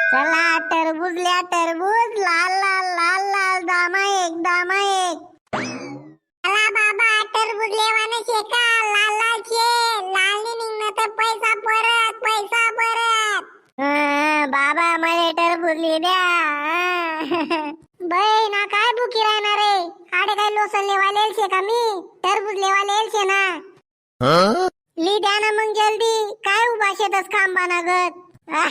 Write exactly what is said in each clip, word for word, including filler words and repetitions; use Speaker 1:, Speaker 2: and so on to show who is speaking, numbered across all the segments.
Speaker 1: चला टरबूजल्या टरबूज लाल लाल लाल लाल दामा एक दामा एक. चला बाबा टरबूज लेवाने शेका लाल लाल शे लाल नी निघणं तर पैसा परत पैसा परत. हं, बाबा मला टरबूज ली द्या. बाई ना काय भुकी राहणार रे. आडे काय लोसन लेवाले शे का मी टरबूज लेवाले शे ना. ली द्या ना मग जल्दी. काय उभा शेतस खांबा नागत.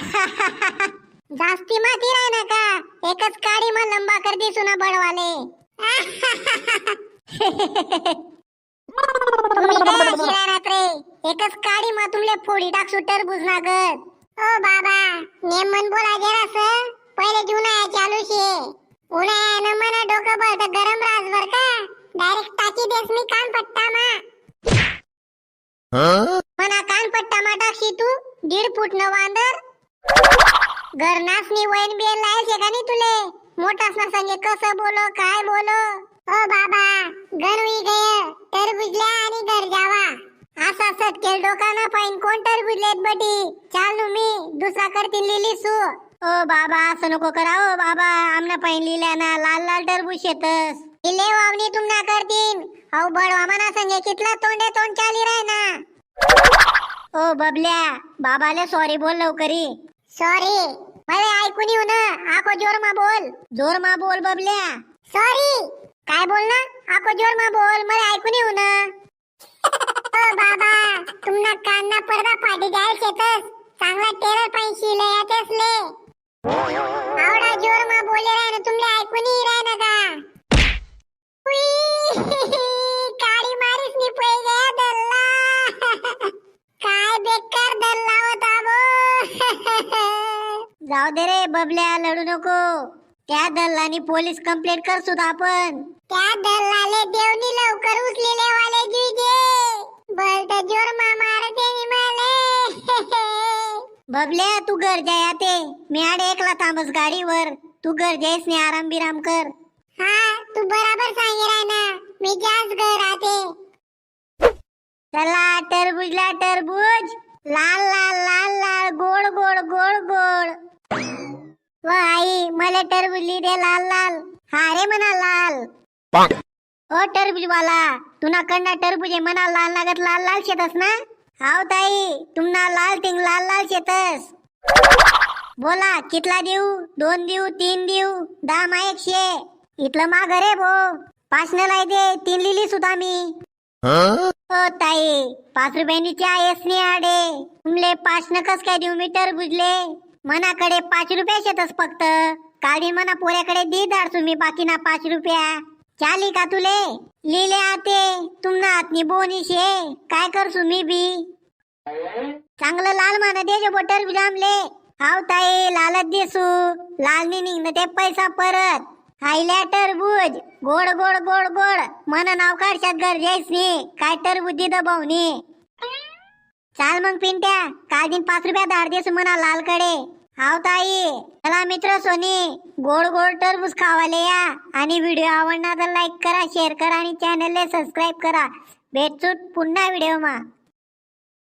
Speaker 1: जास्ती माती राह ना का एकच काडी मा लंबा कर दिसू ना बडवाले. तुम्ही काय शिरारात रे एकच काडी मा तुमले फोडी टाकसू टरबूज नागत. ओ बाबा नेम मन बोला जरास पहिले जुना चालू शे. उन्हाळ्यानं मना डोकं बळत गरम राजवर का डायरेक्ट टाकी देस मी कान पट्टा मा. मना कान पट्टा मा टाकशी तू दीड फूट न वांदर. घरनास नी वैन बियन लायल शे का नी तुले. मोठास ना संगे कसं बोलो काय बोलो. ओ बाबा गणवी गय टरबूजल्या आणि घर जावा. असा सटकेल डोका ना पाईन कोण टरबूजलेत बटी. चालू मी दुसरा करतीन लिली सू. ओ बाबा असं नको करा. ओ बाबा आमना पाईन लिल्या ना लाल लाल टरबूज शेतस. इले वावनी तुम ना करतीन. औ बडवा मना संगे कितला तोंडे तोंड चाली राय ना. ओ बबल्या बाबाले सॉरी बोल लवकरी. सॉरी मला ऐकून येऊ ना. आको जोर मा बोल. जोर मा बोल बबल्या. सॉरी काय बोल ना. आको जोर मा बोल मला ऐकून येऊ ना. ओ बाबा तुमना कान ना पडदा फाटी जाय शेतस. चांगला टेलर पाई शिले यातेस ले. आवडा जोर मा बोले राय ना तुमले ऐकून ही राय ना का. काडी मारीस नी पै गया दल्ला. काय बेकार दल्ला होता बो. जाऊ दे रे बबल्या लढू नको. त्या दल्लानी पोलीस कंप्लेंट करसू आपण. त्या दल्लाले देवनी लवकर उचलेले वाले जुजे. बलत जोर मा मारते नी माले. बबल्या तू घर जाया ते मी आडे एकला थांबस गाडीवर. तू घर जायस ने आराम बिराम कर. हा तू बराबर सांगे राय ना मी जास घर आते. चला टरबूजला टरबूज लाल लाल लाल लाल गोड गोड गोड गोड. व आई मला टरबूज ली दे लाल लाल. हा रे मना लाल. ओ टरबूज वाला तुना कडना टरबूज मना लाल लागत लाल लाल शेतस ना. हाव ताई तुमना लाल टिंग लाल लाल शेतस. बोला कितला देऊ. दोन देऊ तीन देऊ दहा मा एकशे. इथलं माग रे भो पाच न लाई दे तीन लिली सुद्धा मी. ओ ताई पाच रुपयांनी चहा येस नाही आडे. तुमले पाच न कस काय देऊ मी टरबूजले. मनाकडे पाच रुपया शेतस फक्त. काढी मना पोऱ्याकडे दी दाड तुम्ही बाकी ना पाच रुपया. चाली का तुले लिले आते तुमना हातनी बोनी शे. काय करसू मी बी. चांगलं लाल माना देजो बो टरबूज आमले. हाव ताई लालच देसू. लाल नी निघणं ते पैसा परत. हायल्या टरबूज गोड गोड गोड गोड मन नाव काढशात घर जायस नी. काय टरबूज दिद भाऊनी. चाल मग पिंट्या काल दिन पाच रुपया धाड देसू मना लाल कडे. हाव ताई चला मित्र सोनी गोड गोड टरबूज खावाले या. आणि व्हिडिओ आवडला तर लाईक करा शेअर करा आणि चॅनलला सबस्क्राईब करा. भेटचूट पुन्हा व्हिडिओ मा.